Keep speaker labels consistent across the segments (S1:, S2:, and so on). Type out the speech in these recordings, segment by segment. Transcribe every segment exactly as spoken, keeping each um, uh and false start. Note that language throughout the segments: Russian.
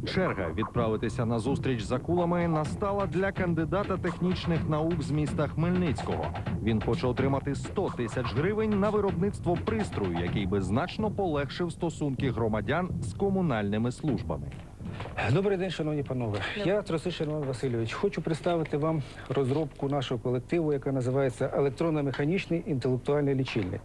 S1: Черга відправитися на зустріч з акулами настала для кандидата технічних наук з міста Хмельницького. Він хоче отримати сто тисяч гривень на виробництво пристрою, який би значно полегшив стосунки громадян з комунальними службами.
S2: Добрий день, шановні панове. Я Тросишин Іван Васильович. Хочу представити вам розробку нашого колективу, яка називається електронно-механічний інтелектуальний лічильник.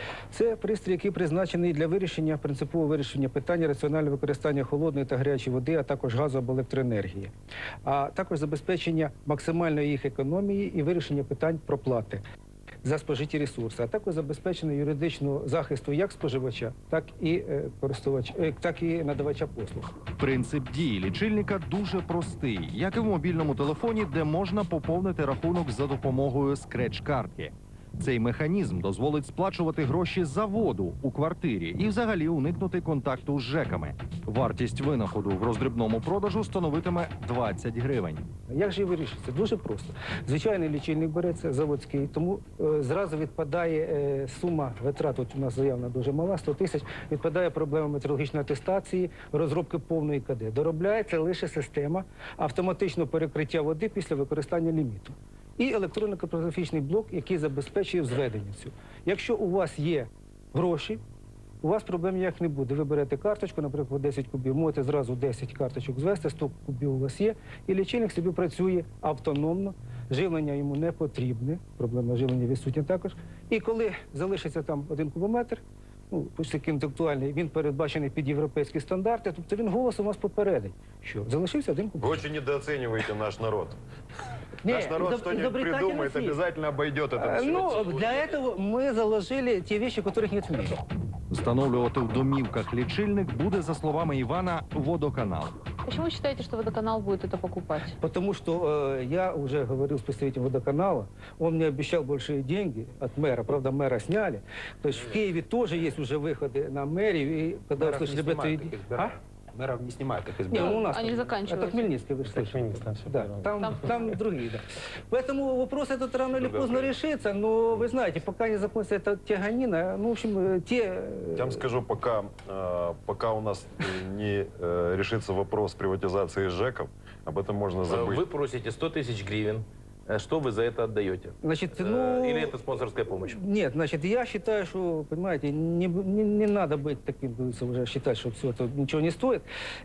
S2: Це пристрій, який призначений для вирішення, принципового вирішення питання раціонального використання холодної та гарячої води, а також газу або електроенергії, а також забезпечення максимальної їх економії і вирішення питань проплати за спожиті ресурси, а також забезпечення юридичного захисту як споживача, так і е, користувача, е, так і надавача послуг.
S1: Принцип дії лічильника дуже простий, як і в мобільному телефоні, де можна поповнити рахунок за допомогою скреч-картки. Цей механізм дозволить сплачувати гроші за воду у квартирі і взагалі уникнути контакту з ЖЕКами. Вартість винаходу в роздрібному продажу становитиме двадцять гривень.
S2: Як же вирішиться? Дуже просто. Звичайний лічильник береться, заводський, тому е, зразу відпадає е, сума витрат, от у нас заявна дуже мала, сто тисяч, відпадає проблема метрологічної атестації, розробки повної КД. Доробляється лише система автоматичного перекриття води після використання ліміту. І електронно-картографічний блок, який забезпечує взведення цю. Якщо у вас є гроші, у вас проблем ніяк не буде. Ви берете карточку, наприклад, десять кубів, можете зразу десять карточок звести, сто кубів у вас є, і лічильник собі працює автономно, живлення йому не потрібне, проблема живлення відсутня також. І коли залишиться там один кубометр, ну, такий інтелектуальний, він передбачений під європейські стандарти, тобто він голосом вас попередить, що залишився один кубометр.
S3: Вы очень недооцениваете наш народ.
S2: Не,
S3: Наш народ что-нибудь придумает, обязательно обойдет это.
S2: Ну, для этого мы заложили те вещи, которых нет в мире.
S1: Встановлювати в домівках лічильник буде, за словами Івана, водоканал.
S4: Почему вы считаете, что водоканал будет это покупать?
S2: Потому что э, я уже говорил с представителем водоканала, он мне обещал большие деньги от мэра, правда, мэра сняли. То есть в Киеве тоже есть уже выходы на мэрию, и когда услышали об этой идее...
S5: Мэров не снимают, как
S2: Не,
S5: избирают.
S2: ну, у нас
S4: Они
S2: там-
S4: заканчиваются.
S2: Это Хмельницкий, вы же
S5: Это
S2: слышали.
S5: Хмельницкий, там всё
S2: Да,
S5: правильно.
S2: там,
S4: Там-
S2: там другие, да. Поэтому вопрос этот рано или поздно решится, но вы знаете, пока не закончится эта тяганина, ну, в общем, э, те... э,
S3: Я вам скажу, пока, э, пока у нас не э, решится вопрос приватизации ЖЭКов, об этом можно забыть.
S5: Вы просите сто тысяч гривен. Э, Что вы за это отдаете?
S2: Значит,
S5: Э,
S2: ну...
S5: Или это спонсорская помощь?
S2: Нет, значит, я считаю, что, понимаете, не, не, не надо быть таким, говорится, уже считать, что все это ничего не стоит.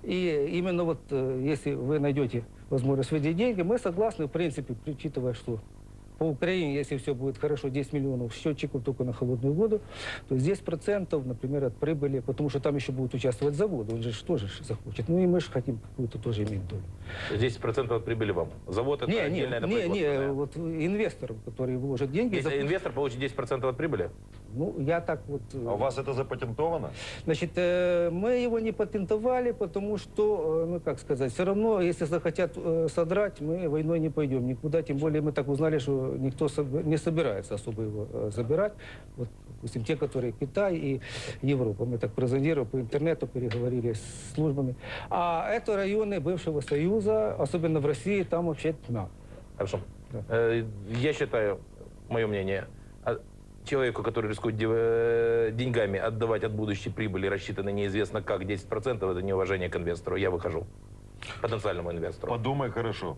S2: И именно вот, э, если вы найдете возможность выделить деньги, мы согласны, в принципе, учитывая, что по Украине, если все будет хорошо, десять миллионов счетчиков только на холодную воду, то есть десять процентов, например, от прибыли, потому что там еще будут участвовать заводы, он же ж тоже ж захочет. Ну и мы же хотим какую-то тоже иметь долю.
S5: десять процентов от прибыли вам. Завод это
S2: Не,
S5: отдельное
S2: не, не, не,
S5: производственное.
S2: вот инвесторам, которые вложат деньги...
S5: Если
S2: зап-
S5: инвестор получит десять процентов от прибыли?
S2: Ну, я так вот... э,
S3: А у вас это запатентовано?
S2: Значит, э, мы его не патентовали, потому что, э, ну как сказать, все равно, если захотят э, содрать, мы войной не пойдем никуда. Тем более мы так узнали, что никто соб- не собирается особо его э, забирать. Вот, допустим, те, которые Китай и Европа. Мы так прозондировали по интернету, переговорили с службами. А это районы бывшего Союза, особенно в России, там вообще тьма.
S5: Хорошо.
S2: Да.
S5: Э, Я считаю, мое мнение, а, человеку, который рискует дев- э, деньгами отдавать от будущей прибыли, рассчитанной неизвестно как, десять процентов, это неуважение к инвестору. Я выхожу. Потенциальному инвестору.
S3: Подумай хорошо.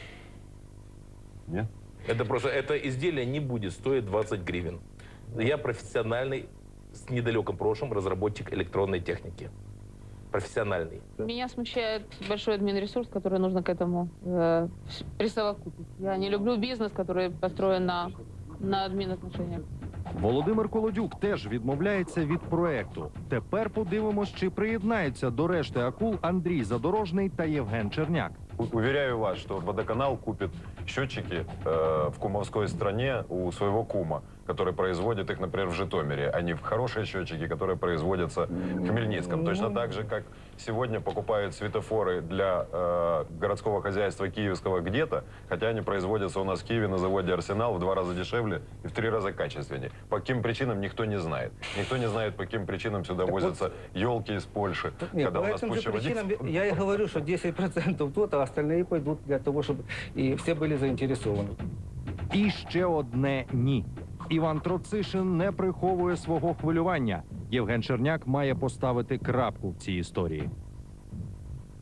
S3: Нет?
S5: Это просто, это изделие не будет стоить двадцать гривен. Я профессиональный, с недалеким прошлым разработчик электронной техники. Профессиональный.
S4: Меня смущает большой админресурс, который нужно к этому э, присовокупить. Я не люблю бизнес, который построен на, на админотношениях.
S1: Володимир Колодюк теж відмовляється від проекту. Тепер подивимось, чи приєднаються до решти акул Андрій Задорожний та Євген Черняк.
S3: У- Уверяю вас, что водоканал купит счетчики э, в кумовской стране у своего кума, который производит их, например, в Житомире, а не в хорошие счетчики, которые производятся в Хмельницком. Точно так же, как сегодня покупают светофоры для э, городского хозяйства киевского где-то, хотя они производятся у нас в Киеве на заводе «Арсенал» в два раза дешевле и в три раза качественнее. По каким причинам никто не знает. Никто не знает, по каким причинам сюда возятся елки из Польши,
S2: Нет,
S3: когда
S2: по
S3: у нас
S2: этим же
S3: куча
S2: причинам
S3: водителей.
S2: я и говорю, что десять процентов тут, а остальные пойдут для того, чтобы и все были заинтересованы.
S1: І ще одне «ні». Іван Троцишин не приховує свого хвилювання. Євген Черняк має поставити крапку в цій історії.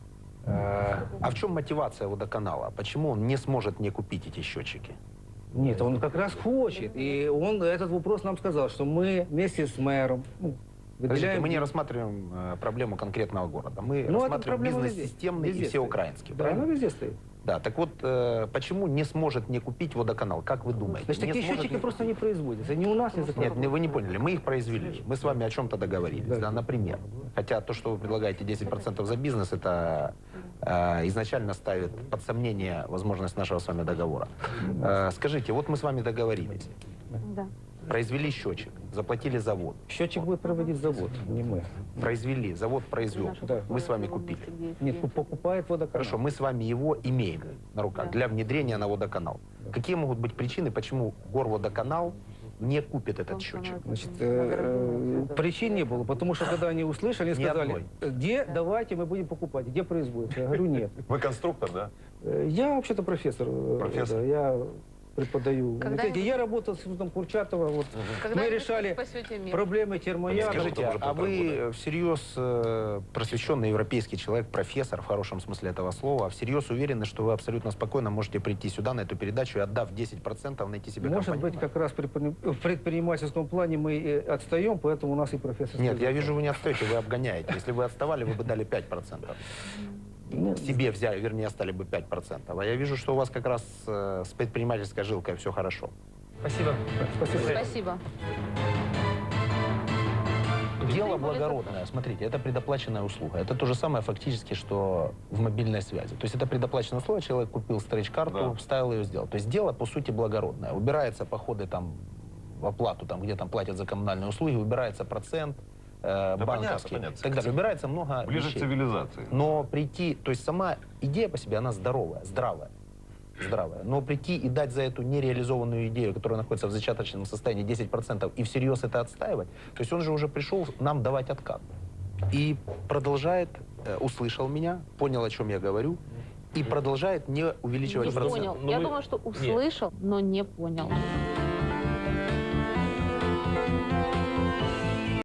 S2: Э,
S6: А в чем мотивация водоканала? Почему он не сможет не купить эти счетчики?
S2: Нет, он как раз хочет. И он этот вопрос нам сказал, что мы вместе с мэром ну,
S6: Подождите,
S2: выделяем...
S6: мы не рассматриваем э, проблему конкретного города. Мы
S2: Ну, это
S6: рассматриваем
S2: проблема везде.
S6: бизнес-системный и
S2: Везде
S6: всеукраинский.
S2: Да,
S6: правильно?
S2: она везде стоит.
S6: Да, так вот, э, почему не сможет не купить водоканал? Как вы думаете?
S2: Значит,
S6: Не
S2: такие
S6: сможет
S2: счетчики
S6: не
S2: просто
S6: купить?
S2: не производятся. Ни у нас, ни за
S6: Нет, не- вы не поняли. Мы их произвели. Мы с вами о чем-то договорились,
S2: Да.
S6: да, например. Хотя то, что вы предлагаете десять процентов за бизнес, это э, изначально ставит под сомнение возможность нашего с вами договора. Э, скажите, вот мы с вами договорились.
S4: Да.
S6: Произвели счетчик, заплатили завод.
S2: Счетчик будет проводить завод, не мы.
S6: Произвели, завод произвел.
S2: Да.
S6: Мы с вами купили.
S2: Нет, покупает водоканал.
S6: Хорошо, мы с вами его имеем на руках
S4: Да.
S6: для внедрения на водоканал. Какие могут быть причины, почему Горводоканал не купит этот счетчик?
S2: Значит, э, э, причин не было, потому что когда они услышали, они
S6: Ни
S2: сказали,
S6: одной.
S2: где давайте мы будем покупать, где производится. Я говорю, нет.
S3: Вы конструктор, да?
S2: Э, Я вообще-то профессор. э,
S3: Профессор?
S2: да, я преподаю.
S4: Когда
S2: Знаете,
S4: вы-
S2: я работал с Институтом Курчатова. Вот.
S4: Когда
S2: Мы
S4: вы
S2: решали
S4: спасете мир?
S2: проблемы термоядра.
S6: Скажите,
S3: уже
S6: а
S3: полтора
S6: вы всерьез э, просвещенный европейский человек, профессор в хорошем смысле этого слова, а всерьез уверены, что вы абсолютно спокойно можете прийти сюда на эту передачу и, отдав десять процентов, найти себе
S2: Может
S6: компанию?
S2: быть, как раз при предпри- в предпринимательском плане мы и отстаем, поэтому у нас и профессор.
S6: Нет, я вижу, вы не отстаете, вы обгоняете. Если вы отставали, вы бы дали пять процентов.
S2: Ну,
S6: Себе взяли, вернее, стали бы пять процентов. А я вижу, что у вас как раз э, с предпринимательской жилкой все хорошо.
S2: Спасибо. Спасибо.
S4: Спасибо.
S6: Дело благородное. Смотрите, это предоплаченная услуга. Это то же самое фактически, что в мобильной связи. То есть это предоплаченная услуга, человек купил стрейч-карту,
S3: Да.
S6: вставил ее, сделал. То есть дело, по сути, благородное. Убираются походы там в оплату, там, где там платят за коммунальные услуги, убирается процент э,
S3: Да
S6: банковский.
S3: понятно, понятно.
S6: Так далее. Убирается много
S3: Ближе к
S6: вещей.
S3: цивилизации.
S6: Но прийти, то есть сама идея по себе, она здоровая, здравая. Здравая. Но прийти и дать за эту нереализованную идею, которая находится в зачаточном состоянии, десять процентов, и всерьез это отстаивать, то есть он же уже пришел нам давать откат. И продолжает, э, услышал меня, понял, о чем я говорю, и продолжает не увеличивать
S4: Не
S6: процент.
S4: понял.
S5: Ну,
S4: Я
S5: мы-
S4: думаю, что
S5: Нет.
S4: услышал, но не понял.